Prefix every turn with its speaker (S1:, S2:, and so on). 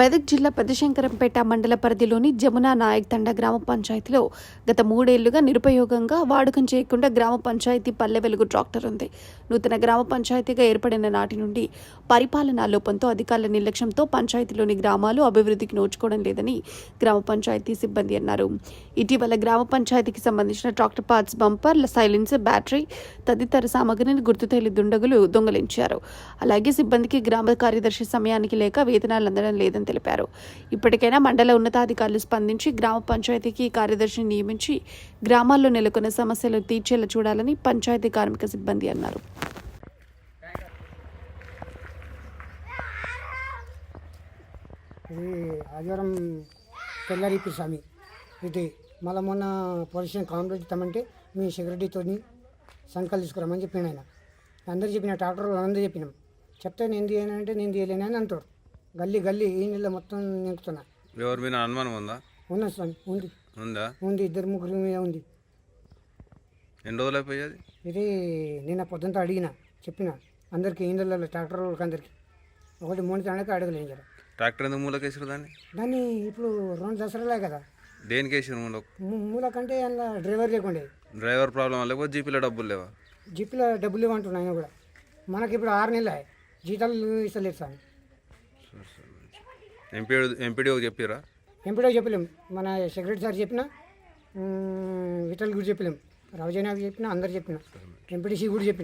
S1: మెదక్ జిల్లా పెద్దశంకరంపేట మండల పరిధిలోని జమునా నాయక్ తండా గ్రామ పంచాయతీలో గత 3 ఏళ్లుగా నిరుపయోగంగా వాడకం చేయకుండా గ్రామ పంచాయతీ పల్లె వెలుగు ట్రాక్టర్ ఉంది. నూతన గ్రామ పంచాయతీగా ఏర్పడిన నాటి నుండి పరిపాలనా లోపంతో అధికారుల నిర్లక్ష్యంతో పంచాయతీలోని గ్రామాలు అభివృద్ధికి నోచుకోవడం లేదని గ్రామ పంచాయతీ సిబ్బంది అన్నారు. ఇటీవల గ్రామ పంచాయతీకి సంబంధించిన tractor parts, bumper, silencer, battery తదితర సామగ్రిని గుర్తు తెలియని దుండగులు దొంగలించారు. అలాగే సిబ్బందికి గ్రామ కార్యదర్శి సమయానికి లేక వేతనాలు అందడం లేదని తెలిపారు. ఇప్పటికైనా మండల ఉన్నతాధికారులు స్పందించి గ్రామ పంచాయతీకి కార్యదర్శిని నియమించి గ్రామాల్లో నెలకొన్న సమస్యలు తీర్చేలా చూడాలని పంచాయతీ కార్మిక సిబ్బంది అన్నారు.
S2: ఇది ఆదివారం తెల్లారిపి స్వామి ఇది మళ్ళీ మొన్న పొజిషన్ కాంప్లీట్ ఇస్తామంటే మీ సెక్రటరీతో సంకల్ తీసుకురామని చెప్పిన ఆయన అందరు చెప్పిన ట్రాక్టర్ అందరూ చెప్పినాం. చెప్తే నేను తీయనంటే నేను తీయలేను అని అంటారు. గల్లీ ఈ నెల మొత్తం నింపుతున్నా.
S3: ఎవరి మీద అనుమానం ఉందా?
S2: ఉన్నా స్వామి, ఉంది 2-3 మీద ఉంది.
S3: ఎన్ని రోజులు అయిపోయేది?
S2: ఇది నిన్న పొద్దుంతా చెప్పిన అందరికి ఇందులో ట్రాక్టర్ వాళ్ళకి అందరికి 1-3 తాళ్ళకి అడగలేం కదా.
S3: ట్రాక్టర్ ఎందుకు మూలకేసారు
S2: దాన్ని ఇప్పుడు 2 దసరాలే కదా.
S3: దేనికి వేసారు
S2: మూలకంటే అందులో డ్రైవర్ లేకుండే.
S3: డ్రైవర్ ప్రాబ్లం లేకపోతే జీపీలో డబ్బులు లేవా?
S2: జీపీలో డబ్బులు లేవంటున్నా ఆయన కూడా. మనకి ఇప్పుడు 6 నెలలు జీతాలు ఇస్తలేదు సార్.
S3: ఎంపీడీఓ చెప్పారా?
S2: ఎంపీడీఓ చెప్పలేము, మన సెక్రటరీ సార్ చెప్పిన, విఠల్ కూడా చెప్పలేము, రావుజనాకి చెప్పిన, అందరు చెప్పిన, ఎంపీటీసీ కూడా చెప్పిన.